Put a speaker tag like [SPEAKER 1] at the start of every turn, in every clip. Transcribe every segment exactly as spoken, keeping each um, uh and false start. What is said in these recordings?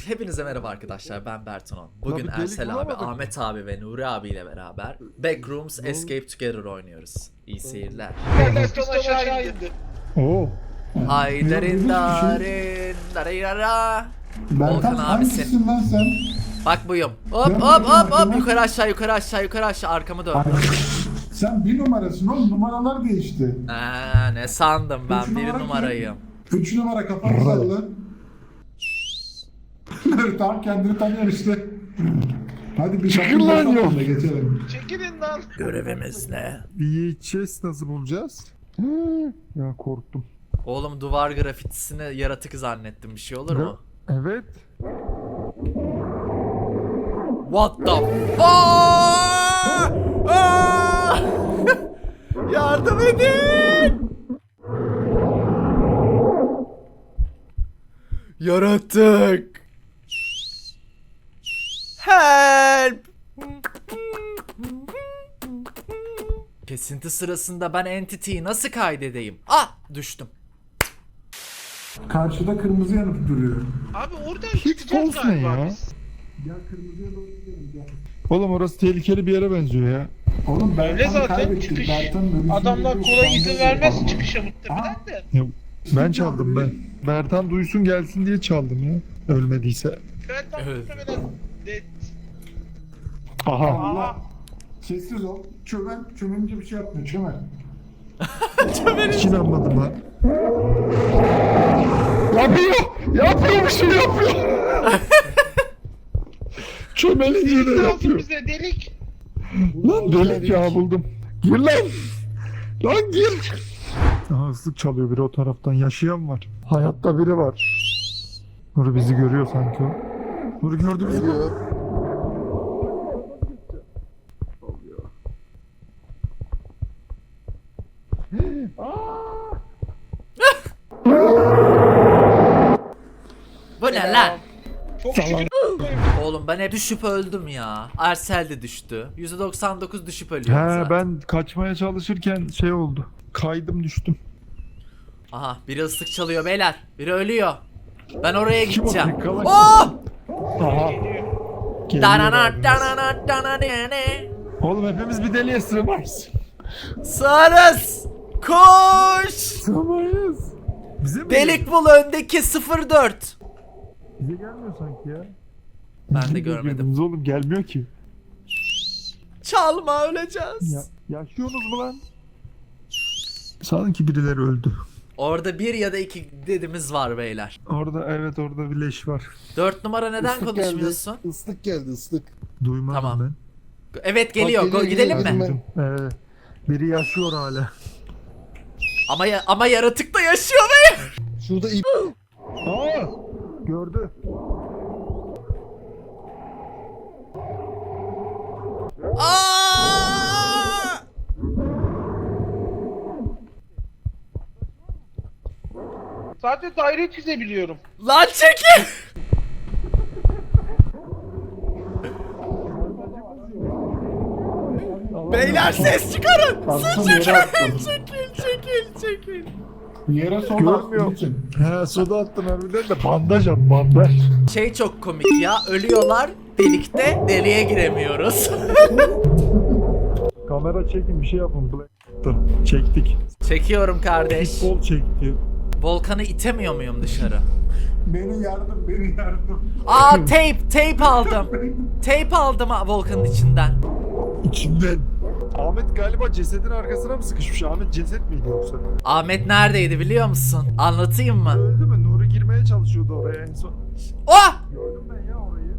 [SPEAKER 1] Hepinize merhaba arkadaşlar, ben Bertonon. Bugün
[SPEAKER 2] Abi,
[SPEAKER 1] Ersel abi,
[SPEAKER 2] bulamadık.
[SPEAKER 1] Ahmet abi ve Nuri abiyle beraber Backrooms Escape Together oynuyoruz. İyi seyirler.
[SPEAKER 3] Yerler pistol aşağı indi.
[SPEAKER 2] Oo.
[SPEAKER 1] Haydarin darin darayara. Volkan
[SPEAKER 4] Bertan
[SPEAKER 1] abi
[SPEAKER 4] hangisisin lan sen?
[SPEAKER 1] Bak buyum. Hop
[SPEAKER 4] Ben
[SPEAKER 1] hop hop
[SPEAKER 4] bakıyorum.
[SPEAKER 1] hop yukarı aşağı yukarı aşağı yukarı aşağı arkamı dön.
[SPEAKER 4] Ay, sen bir numarasın oğlum, numaralar değişti.
[SPEAKER 1] Aa, ne sandım ben
[SPEAKER 4] Üç
[SPEAKER 1] bir
[SPEAKER 4] numara
[SPEAKER 1] numarayım.
[SPEAKER 4] Üç numara kafanı salla. Tam kendini tanıyor işte. Hadi bir
[SPEAKER 2] Çıkın lan
[SPEAKER 4] şapkın
[SPEAKER 2] yok.
[SPEAKER 4] da geçelim.
[SPEAKER 3] Çekilin lan.
[SPEAKER 1] Görevimiz ne?
[SPEAKER 2] V H S nasıl bulacağız? Hı, ya korktum.
[SPEAKER 1] Oğlum duvar grafitisini yaratık zannettim, bir şey olur mu?
[SPEAKER 2] Evet.
[SPEAKER 1] What the f- Aa! Aa! Yardım edin! Yaratık! Help! Kesinti sırasında ben entity'yi nasıl kaydedeyim? Ah! Düştüm.
[SPEAKER 4] Karşıda kırmızı yanıp duruyor.
[SPEAKER 3] Abi oradan
[SPEAKER 2] Hiç
[SPEAKER 3] çıkacağız
[SPEAKER 2] poz ne
[SPEAKER 3] galiba
[SPEAKER 2] ya?
[SPEAKER 3] biz.
[SPEAKER 4] Gel kırmızıya doğru gidelim gel.
[SPEAKER 2] Oğlum orası tehlikeli bir yere benziyor ya.
[SPEAKER 4] Oğlum
[SPEAKER 3] Öyle
[SPEAKER 4] Bertan'ı
[SPEAKER 3] zaten
[SPEAKER 4] kaybettik.
[SPEAKER 3] çıkış.
[SPEAKER 4] Bertan'ın ölüsünü
[SPEAKER 3] Adamlar
[SPEAKER 4] bekliyoruz.
[SPEAKER 3] kolay izin
[SPEAKER 4] Sandalye
[SPEAKER 3] vermez
[SPEAKER 4] yapalım.
[SPEAKER 3] çıkışa muhtemelen de.
[SPEAKER 2] Ya, ben çaldım ben. Bertan duysun gelsin diye çaldım ya. Ölmediyse.
[SPEAKER 3] Ben tam
[SPEAKER 1] Evet.
[SPEAKER 3] muhtemelen de...
[SPEAKER 2] Aha.
[SPEAKER 4] Allah. Sessiz ol. Çömen, çömenince bir şey yapmıyor. Çömen.
[SPEAKER 2] Hiç inanmadım ha. Yapıyor. Yapıyor bir şey yapıyor. Çömelince de
[SPEAKER 3] Delik lazım
[SPEAKER 2] yapıyor.
[SPEAKER 3] bize delik.
[SPEAKER 2] Lan delik ya buldum. Gir lan. Lan gir. Aha ıslık çalıyor biri o taraftan. Yaşayan var. Hayatta biri var. Nuri bizi görüyor sanki o. Nuri gördü bizi.
[SPEAKER 1] Bu ne lan?
[SPEAKER 3] Çok şükür.
[SPEAKER 1] Oğlum ben hep düşüp öldüm ya. Ersel de düştü. yüzde doksan dokuz düşüp ölüyorum
[SPEAKER 2] He
[SPEAKER 1] zaten.
[SPEAKER 2] ben kaçmaya çalışırken şey oldu. Kaydım düştüm.
[SPEAKER 1] Aha biri ıslık çalıyor beyler. Biri ölüyor. Ben oraya
[SPEAKER 2] Kim o?
[SPEAKER 1] gideceğim.
[SPEAKER 2] Yıkala-
[SPEAKER 1] Oh!
[SPEAKER 2] Aha. Geliyor
[SPEAKER 1] Danana
[SPEAKER 2] abimiz.
[SPEAKER 1] danana danana.
[SPEAKER 2] Oğlum hepimiz bir deliğe sığmayız.
[SPEAKER 1] Sığarız. Koş.
[SPEAKER 2] Sığmayız. Bize mi
[SPEAKER 1] Delik bul öndeki sıfır dört.
[SPEAKER 2] Bize gelmiyor sanki ya.
[SPEAKER 1] Ben de
[SPEAKER 2] Bize
[SPEAKER 1] görmedim.
[SPEAKER 2] girdiniz Oğlum gelmiyor ki.
[SPEAKER 1] Çalma, öleceğiz.
[SPEAKER 2] Ya, yaşıyorsunuz mu lan? Sanki birileri öldü.
[SPEAKER 1] Orada bir ya da iki dedimiz var beyler.
[SPEAKER 2] Orada evet orada bir leş var.
[SPEAKER 1] Dört numara neden
[SPEAKER 5] Islık
[SPEAKER 1] konuşmuyorsun?
[SPEAKER 5] Geldi. Islık geldi ıslık.
[SPEAKER 2] Duymadım
[SPEAKER 1] Tamam.
[SPEAKER 2] ben.
[SPEAKER 1] Evet geliyor.
[SPEAKER 5] Bak, geliyor,
[SPEAKER 1] Go- gidelim
[SPEAKER 5] geliyor.
[SPEAKER 1] mi?
[SPEAKER 5] Ben-
[SPEAKER 2] Ee, biri yaşıyor hala.
[SPEAKER 1] Ama ya- ama yaratık da yaşıyor be.
[SPEAKER 5] Şurada ip.
[SPEAKER 2] Aa! Gördü.
[SPEAKER 1] Aa!
[SPEAKER 3] Sadece daire çizebiliyorum.
[SPEAKER 1] Lan çekil. Beyler ses çıkarın.
[SPEAKER 4] Attım,
[SPEAKER 1] Ses
[SPEAKER 4] yere
[SPEAKER 1] çıkarın.
[SPEAKER 4] attım.
[SPEAKER 1] Çekil çekil çekil.
[SPEAKER 4] Yere sola
[SPEAKER 2] Görmüyorum.
[SPEAKER 4] için.
[SPEAKER 2] He soda attın harbiden de bandaj at bandaj.
[SPEAKER 1] Şey çok komik ya. Ölüyorlar delikte, deliğe giremiyoruz.
[SPEAKER 2] Kamera çekin bir şey yapın. Black. Çektik.
[SPEAKER 1] Çekiyorum kardeş.
[SPEAKER 2] Futbol çekti.
[SPEAKER 1] Volkan'ı itemiyor muyum dışarı?
[SPEAKER 4] Beni yardım, beni yardım.
[SPEAKER 1] Aa tape, tape aldım. Tape aldım ha, Volkan'ın içinden.
[SPEAKER 2] İçinden. Ahmet galiba cesedin arkasına mı sıkışmış? Ahmet ceset miydi yoksa?
[SPEAKER 1] Ahmet neredeydi biliyor musun? Anlatayım mı?
[SPEAKER 2] Öldü mü? Nuri girmeye çalışıyordu oraya en son.
[SPEAKER 1] Oh!
[SPEAKER 2] Gördüm ben ya orayı.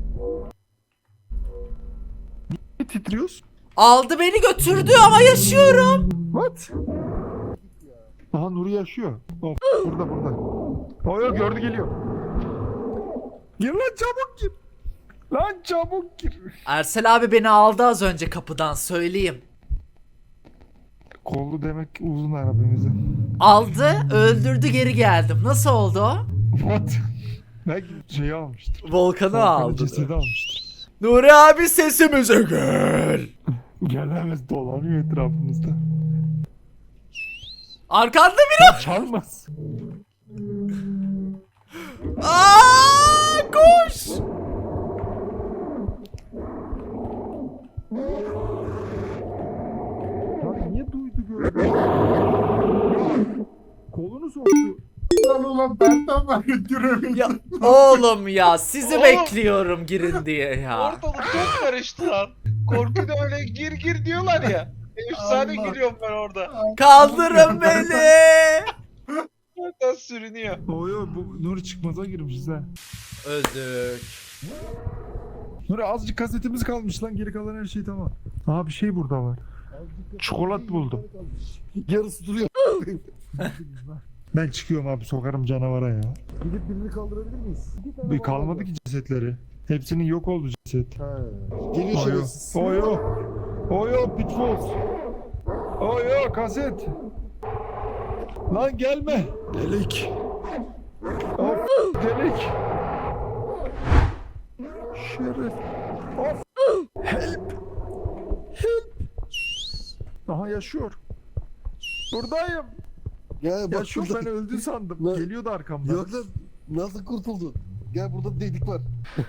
[SPEAKER 2] Niye titriyorsun?
[SPEAKER 1] Aldı beni götürdü ama yaşıyorum.
[SPEAKER 2] What? Aha Nuri yaşıyor. Of, burada burada. O yok gördü geliyor. Gir lan çabuk gir. Lan çabuk gir.
[SPEAKER 1] Ersel abi beni aldı az önce kapıdan, söyleyeyim.
[SPEAKER 2] Kollu demek uzun arabamızı.
[SPEAKER 1] Aldı, öldürdü, geri geldim. Nasıl oldu o?
[SPEAKER 2] What? Belki şeyi almıştır.
[SPEAKER 1] Volkan'ı
[SPEAKER 2] Volkan'ın
[SPEAKER 1] aldı.
[SPEAKER 2] cesedi almıştır.
[SPEAKER 1] Nuri abi sesimize gel.
[SPEAKER 2] Gelemez dolanıyor etrafımızda.
[SPEAKER 1] Arkanda biri.
[SPEAKER 2] Çalmaz.
[SPEAKER 1] Aa, koş.
[SPEAKER 4] Tamam ben tamam giremedim.
[SPEAKER 1] Ya oğlum ya sizi
[SPEAKER 3] Oğlum.
[SPEAKER 1] bekliyorum girin diye ya.
[SPEAKER 3] Ortalık çok karıştı lan. Korkuda öyle gir gir diyorlar ya. Efsane
[SPEAKER 4] Allah.
[SPEAKER 3] giriyorum ben orada.
[SPEAKER 1] Kaldırın beni.
[SPEAKER 3] Zaten sürünüyor.
[SPEAKER 2] Oyo bu Nuri çıkmaza girmişiz ha.
[SPEAKER 1] Öldük.
[SPEAKER 2] Nuri azıcık kasetimiz kalmış lan, geri kalan her şey tamam. Aa bir şey burada var. Çikolat buldum.
[SPEAKER 5] Yarısı duruyor.
[SPEAKER 2] Ben çıkıyorum abi, sokarım canavara ya.
[SPEAKER 5] Gidip birini kaldırabilir miyiz?
[SPEAKER 2] Bir kalmadı ki cesetleri. Hepsinin yok oldu ceset.
[SPEAKER 5] Ha. Geliyor
[SPEAKER 2] Oyo.
[SPEAKER 5] şerefsiz.
[SPEAKER 2] Oyo. Oyo pitfalls. Oyo kaset. Lan gelme. Delik. Of delik. Şeref. Of. Help. Help. Aha yaşıyor. Buradayım.
[SPEAKER 5] Gel bak
[SPEAKER 2] Yaşıyor,
[SPEAKER 5] şurada.
[SPEAKER 2] ben öldü sandım.
[SPEAKER 5] Ne?
[SPEAKER 2] Geliyordu arkamdan.
[SPEAKER 5] Yok lan. Nasıl kurtuldu? Gel burada delik var.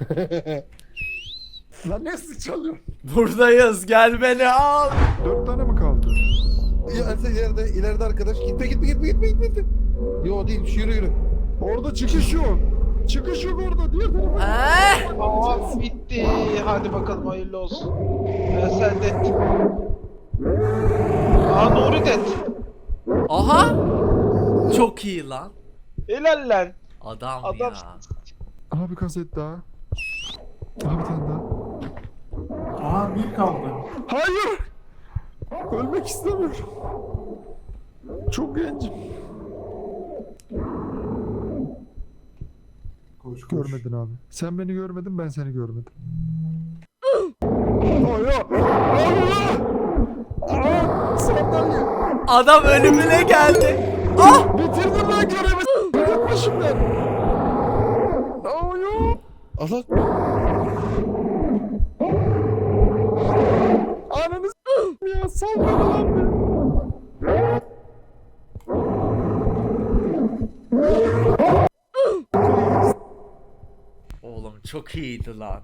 [SPEAKER 2] Lan ne sık çalıyor?
[SPEAKER 1] Buradayız gel beni al.
[SPEAKER 2] Dört tane mi kaldı?
[SPEAKER 5] Ya Ersel ileride, ileride arkadaş. Gitme gitme gitme gitme gitme. gitme. Yo değil, yürü yürü.
[SPEAKER 2] Orada çıkış yok. Çıkış yok orada. Diğer tarafa.
[SPEAKER 1] Eh,
[SPEAKER 3] Aa bitti. Hadi bakalım hayırlı olsun. Ben sen de. Aa Nuri det.
[SPEAKER 1] aha. Çok iyi lan.
[SPEAKER 3] Helal lan.
[SPEAKER 1] Adam,
[SPEAKER 3] Adam-
[SPEAKER 1] ya.
[SPEAKER 2] Aha bir kaset daha. Aha bir tane daha.
[SPEAKER 4] Aha bir kaldı.
[SPEAKER 2] Hayır. Ölmek istemiyorum. Çok gencim.
[SPEAKER 4] Koş koş.
[SPEAKER 2] Görmedin abi. Sen beni görmedin, ben seni görmedim. Oyo. Allah. Aa, sandalye.
[SPEAKER 1] Adam ölümüne geldi. Ah.
[SPEAKER 2] Bitirdim lan görevi. Yapma şimdi. Oyo.
[SPEAKER 5] Allah.
[SPEAKER 2] Ananı s**tim ya. Sal beni lan be.
[SPEAKER 1] Oğlum çok iyiydi lan.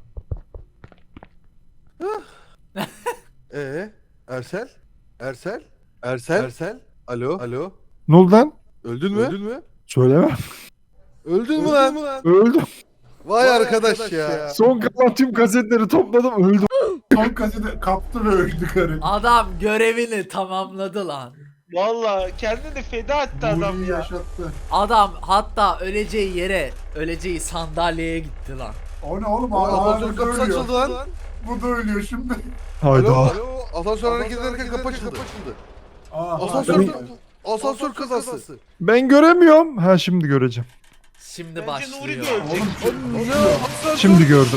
[SPEAKER 5] Ee, Ersel? Ersel? Ersel? Ersel? Alo? Alo?
[SPEAKER 2] Ne oldu lan?
[SPEAKER 5] Öldün mü? Öldün mü?
[SPEAKER 2] Söylemem.
[SPEAKER 5] Öldün mü lan?
[SPEAKER 2] Öldüm.
[SPEAKER 5] Vay arkadaş ya.
[SPEAKER 2] Son kalan tüm kasetleri topladım, öldüm.
[SPEAKER 4] Son kaseti kaptı ve öldü karı.
[SPEAKER 1] Adam görevini tamamladı lan.
[SPEAKER 3] Valla kendini feda etti adam
[SPEAKER 4] Nuri'yi
[SPEAKER 3] ya.
[SPEAKER 4] yaşattı.
[SPEAKER 1] Adam hatta öleceği yere, öleceği sandalyeye gitti lan.
[SPEAKER 4] O ne oğlum?
[SPEAKER 5] Aa,
[SPEAKER 4] Aa,
[SPEAKER 5] asansör
[SPEAKER 4] bu da
[SPEAKER 5] kapısı
[SPEAKER 4] ölüyor.
[SPEAKER 5] açıldı lan.
[SPEAKER 4] Bu da ölüyor şimdi.
[SPEAKER 2] Hayda.
[SPEAKER 5] Alo? Alo? Asansör hareket ederken kapı açıldı.
[SPEAKER 4] Aa,
[SPEAKER 5] Asansör,
[SPEAKER 4] hadi.
[SPEAKER 5] asansör kazası.
[SPEAKER 2] Ben göremiyorum. Ha şimdi göreceğim.
[SPEAKER 1] Şimdi
[SPEAKER 3] Bence Nuri
[SPEAKER 1] başlıyor.
[SPEAKER 3] de ölecek.
[SPEAKER 4] Oğlum
[SPEAKER 5] Asansör.
[SPEAKER 2] Şimdi gördüm.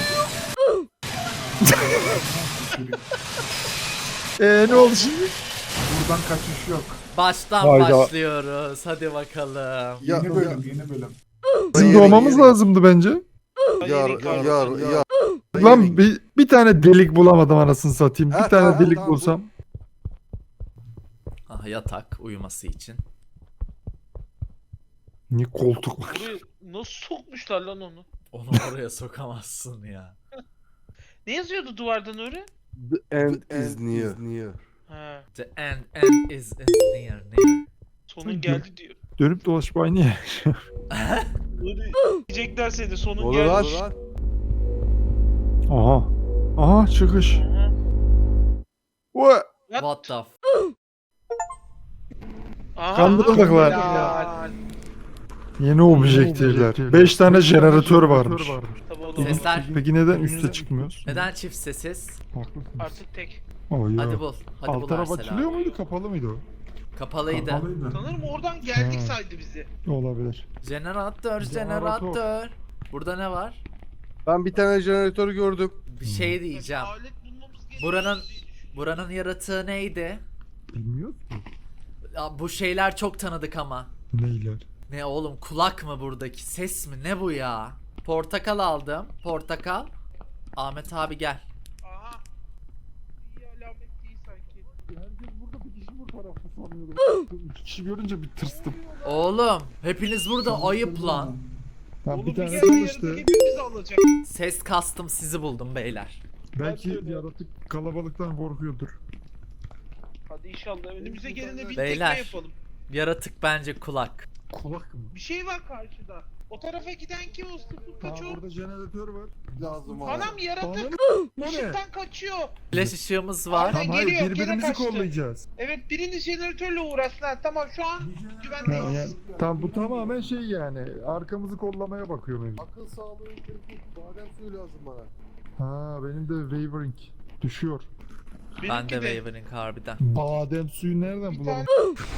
[SPEAKER 2] Eee ne oldu şimdi?
[SPEAKER 4] buradan kaçış yok.
[SPEAKER 1] Baştan
[SPEAKER 2] Hayda.
[SPEAKER 1] başlıyoruz. Hadi bakalım.
[SPEAKER 5] Ya,
[SPEAKER 4] Yeni bölüm, yeni bölüm.
[SPEAKER 2] Bizim
[SPEAKER 5] Yeri,
[SPEAKER 2] doğmamız
[SPEAKER 5] yeri.
[SPEAKER 2] lazımdı bence.
[SPEAKER 5] Yar,
[SPEAKER 3] Hayır,
[SPEAKER 5] yar,
[SPEAKER 3] yar.
[SPEAKER 5] yar.
[SPEAKER 2] Lan bir, bir tane delik bulamadım anasını satayım. Bir
[SPEAKER 5] Ha,
[SPEAKER 2] tane
[SPEAKER 5] tamam,
[SPEAKER 2] delik
[SPEAKER 5] tamam,
[SPEAKER 2] bulsam.
[SPEAKER 1] Aha yatak uyuması için.
[SPEAKER 2] Niye koltuk var?
[SPEAKER 3] Buraya nasıl sokmuşlar lan onu?
[SPEAKER 1] Onu oraya sokamazsın ya.
[SPEAKER 3] Ne yazıyordu duvarda Nuri?
[SPEAKER 5] The end is near.
[SPEAKER 3] Ha,
[SPEAKER 1] The end, end is, is near, near.
[SPEAKER 3] sonun geldi diyor.
[SPEAKER 2] Dönüp dolaşıp aynı yer.
[SPEAKER 3] Nuri diyecekler seni sonun
[SPEAKER 5] Olur
[SPEAKER 3] geldi.
[SPEAKER 5] lan.
[SPEAKER 2] Aha. Aha çıkış.
[SPEAKER 3] Aha.
[SPEAKER 2] Ua!
[SPEAKER 1] What the f-
[SPEAKER 3] Aha,
[SPEAKER 2] Kandırıldık lan.
[SPEAKER 3] helal.
[SPEAKER 2] Yeni objektifler. beş tane jeneratör varmış.
[SPEAKER 3] Tabii o da olur.
[SPEAKER 1] Sesler.
[SPEAKER 2] Peki neden üste çıkmıyoruz?
[SPEAKER 1] Neden çift sessiz?
[SPEAKER 2] Haklısın.
[SPEAKER 3] Artık tek.
[SPEAKER 2] Oh, ya.
[SPEAKER 1] Hadi bul. Hadi
[SPEAKER 2] Alt
[SPEAKER 1] bul
[SPEAKER 2] taraf
[SPEAKER 1] Arsel
[SPEAKER 2] açılıyor
[SPEAKER 1] abi.
[SPEAKER 2] muydu, kapalı mıydı o?
[SPEAKER 1] Kapalıydı.
[SPEAKER 4] Kapalıydı.
[SPEAKER 3] Sanırım oradan geldik
[SPEAKER 2] Ha.
[SPEAKER 3] saydı bizi.
[SPEAKER 2] Olabilir.
[SPEAKER 1] Jeneratör,
[SPEAKER 2] Jeneratör.
[SPEAKER 1] jeneratör. Burada ne var?
[SPEAKER 5] Ben bir tane jeneratör gördüm.
[SPEAKER 1] Bir şey diyeceğim.
[SPEAKER 3] Alet bulmamız gerekiyor
[SPEAKER 1] Buranın
[SPEAKER 3] diye düşünüyorum.
[SPEAKER 1] buranın yaratığı neydi?
[SPEAKER 2] Bilmiyoruz ki.
[SPEAKER 1] Ya bu şeyler çok tanıdık ama.
[SPEAKER 2] Neyler?
[SPEAKER 1] Ne oğlum kulak mı buradaki? Ses mi? Ne bu ya? Portakal aldım. Portakal. Ahmet abi gel.
[SPEAKER 3] Aha. İyi alamet değil sanki.
[SPEAKER 2] Herkes burada, bir kişi bu tarafta sanıyorum. İki kişi görünce bir tırstım.
[SPEAKER 1] Oğlum hepiniz burada ayıp lan.
[SPEAKER 2] Ha,
[SPEAKER 3] Oğlum
[SPEAKER 2] bir
[SPEAKER 3] bir
[SPEAKER 2] tane
[SPEAKER 3] kere
[SPEAKER 2] çalıştı.
[SPEAKER 3] yaratık hepimizi alacak.
[SPEAKER 1] Ses kastım sizi buldum beyler.
[SPEAKER 2] Belki yaratık kalabalıktan korkuyordur.
[SPEAKER 3] Hadi inşallah önümüze gelene bir
[SPEAKER 1] Beyler.
[SPEAKER 3] tekme yapalım.
[SPEAKER 1] Yaratık bence kulak.
[SPEAKER 2] Kulak mı?
[SPEAKER 3] Bir şey var karşıda. O tarafa giden kim o sıfır
[SPEAKER 2] Ha
[SPEAKER 3] kaçıyor?
[SPEAKER 2] burada jeneratör var.
[SPEAKER 5] Lazım abi.
[SPEAKER 3] Anam yaratık
[SPEAKER 2] Ananı bu ne?
[SPEAKER 3] ışıktan kaçıyor.
[SPEAKER 1] Flash ışığımız var.
[SPEAKER 3] Aynen.
[SPEAKER 2] Tamam hayır
[SPEAKER 3] Geliyor, gene
[SPEAKER 2] birbirimizi
[SPEAKER 3] kaçtı.
[SPEAKER 2] kollayacağız.
[SPEAKER 3] Evet biriniz jeneratörle uğraşsın. Ha, tamam şu an
[SPEAKER 2] Ha,
[SPEAKER 3] güvendeyiz.
[SPEAKER 2] yani, tamam bu tamamen şey yani arkamızı kollamaya bakıyor benim.
[SPEAKER 5] Akıl sağlığı için badem suyu lazım bana.
[SPEAKER 2] Ha benim de wavering düşüyor.
[SPEAKER 1] Ben de
[SPEAKER 3] Benimki de.
[SPEAKER 1] Wavering harbiden.
[SPEAKER 2] Badem suyu nereden
[SPEAKER 3] Bir
[SPEAKER 2] bulalım?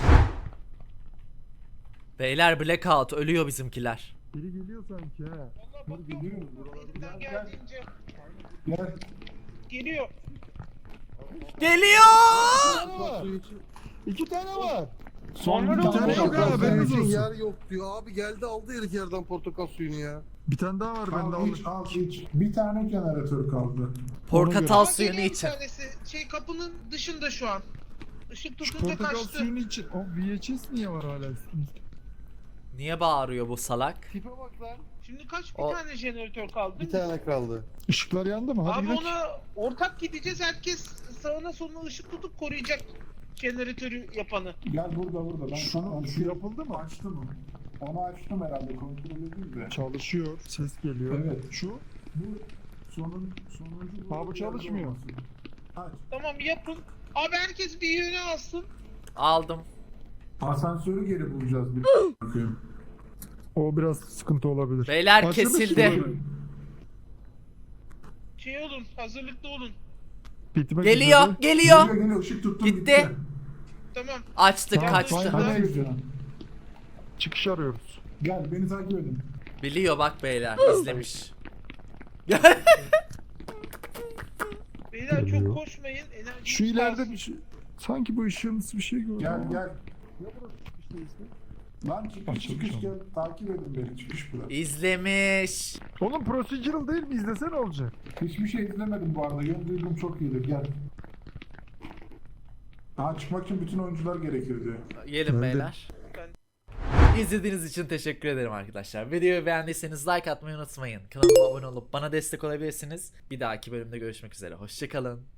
[SPEAKER 1] Beyler blackout ölüyor bizimkiler.
[SPEAKER 2] Biri geliyor sanki ha.
[SPEAKER 3] Vallahi bakıyorum.
[SPEAKER 4] Geliyorum.
[SPEAKER 3] Elimden geldiğince
[SPEAKER 4] Gel.
[SPEAKER 3] geliyor.
[SPEAKER 1] Geliyor!
[SPEAKER 5] Bak suyu için.
[SPEAKER 2] İki tane var.
[SPEAKER 3] Sonra
[SPEAKER 2] bir
[SPEAKER 3] ne
[SPEAKER 2] tane
[SPEAKER 3] oldu?
[SPEAKER 2] yok ha,
[SPEAKER 5] Portakal suyu
[SPEAKER 2] haberiniz
[SPEAKER 5] için
[SPEAKER 2] olsun.
[SPEAKER 5] yer yok diyor. Abi geldi aldı herif yerden portakal suyunu ya.
[SPEAKER 2] Bir tane daha var bende
[SPEAKER 4] Al iç,
[SPEAKER 2] alır.
[SPEAKER 4] al iç. Bir tane jeneratör kaldı.
[SPEAKER 1] Portakal
[SPEAKER 3] Ama
[SPEAKER 1] suyunu
[SPEAKER 3] geliyor bir
[SPEAKER 1] için.
[SPEAKER 3] tanesi. Şey kapının dışında şu an. Işık
[SPEAKER 2] Şu
[SPEAKER 3] tutunca
[SPEAKER 2] portakal
[SPEAKER 3] kaçtı.
[SPEAKER 2] suyunu için. O V H S niye var hala üstümüzde?
[SPEAKER 1] Niye bağırıyor bu salak?
[SPEAKER 5] Tipe bak lan.
[SPEAKER 3] Şimdi kaç bir
[SPEAKER 1] O-
[SPEAKER 3] tane jeneratör kaldı?
[SPEAKER 5] Bir tane kaldı.
[SPEAKER 2] Işıklar yandı mı? Hadi
[SPEAKER 3] Abi
[SPEAKER 2] gidelim.
[SPEAKER 3] ona ortak gideceğiz. Herkes sağına soluna ışık tutup koruyacak jeneratörü yapanı.
[SPEAKER 4] Gel burada burada. Ben sana
[SPEAKER 2] Şu,
[SPEAKER 4] onu
[SPEAKER 2] şu yapıldı mı?
[SPEAKER 4] açtım mı? Onu açtım herhalde kontrol edeyim de.
[SPEAKER 2] Çalışıyor. Ses geliyor.
[SPEAKER 4] Evet.
[SPEAKER 2] Şu.
[SPEAKER 4] Bu sonun sonuncu
[SPEAKER 2] Ha, bu çalışmıyor.
[SPEAKER 4] olması. Aç.
[SPEAKER 3] Tamam yapın. Abi herkes bir yöne alsın.
[SPEAKER 1] Aldım.
[SPEAKER 4] Asansörü geri bulacağız bir bakayım.
[SPEAKER 2] O biraz sıkıntı olabilir.
[SPEAKER 1] Beyler
[SPEAKER 2] Açıldı
[SPEAKER 1] kesildi.
[SPEAKER 2] şimdi.
[SPEAKER 3] Şey olun, hazırlıklı olun.
[SPEAKER 2] Bitmek
[SPEAKER 1] Geliyor,
[SPEAKER 2] üzere.
[SPEAKER 1] geliyor.
[SPEAKER 4] Geliyor geliyor ışık tuttum
[SPEAKER 1] Gitti.
[SPEAKER 3] Tamam.
[SPEAKER 1] Açtık,
[SPEAKER 2] Tamam,
[SPEAKER 1] kaçtı.
[SPEAKER 2] fine,
[SPEAKER 4] Hadi.
[SPEAKER 2] hadi. Çıkış arıyoruz.
[SPEAKER 4] Gel beni takip edin.
[SPEAKER 1] Biliyor bak beyler, izlemiş.
[SPEAKER 3] Beyler
[SPEAKER 2] Geliyor.
[SPEAKER 3] çok koşmayın. Enerji
[SPEAKER 2] Şu ileride bir şey. Sanki bu ışığımız bir şey gördüm.
[SPEAKER 4] Gel
[SPEAKER 2] ama.
[SPEAKER 4] gel.
[SPEAKER 2] Ya burası çıkış değilse?
[SPEAKER 4] Lan çıkış
[SPEAKER 2] Açılmış
[SPEAKER 4] çıkış
[SPEAKER 2] ama.
[SPEAKER 4] gel. Takip edin beni çıkış burası.
[SPEAKER 1] İzlemiş.
[SPEAKER 2] Oğlum procedural değil mi? İzlese ne olacak?
[SPEAKER 4] Hiçbir şey izlemedim bu arada. Yön duygum çok iyidir. Gel. Daha çıkmak için bütün oyuncular gerekir diyor.
[SPEAKER 1] Gelin
[SPEAKER 2] Ben de-
[SPEAKER 1] beyler. İzlediğiniz için teşekkür ederim arkadaşlar. Videoyu beğendiyseniz like atmayı unutmayın. Kanalıma abone olup bana destek olabilirsiniz. Bir dahaki bölümde görüşmek üzere. Hoşçakalın.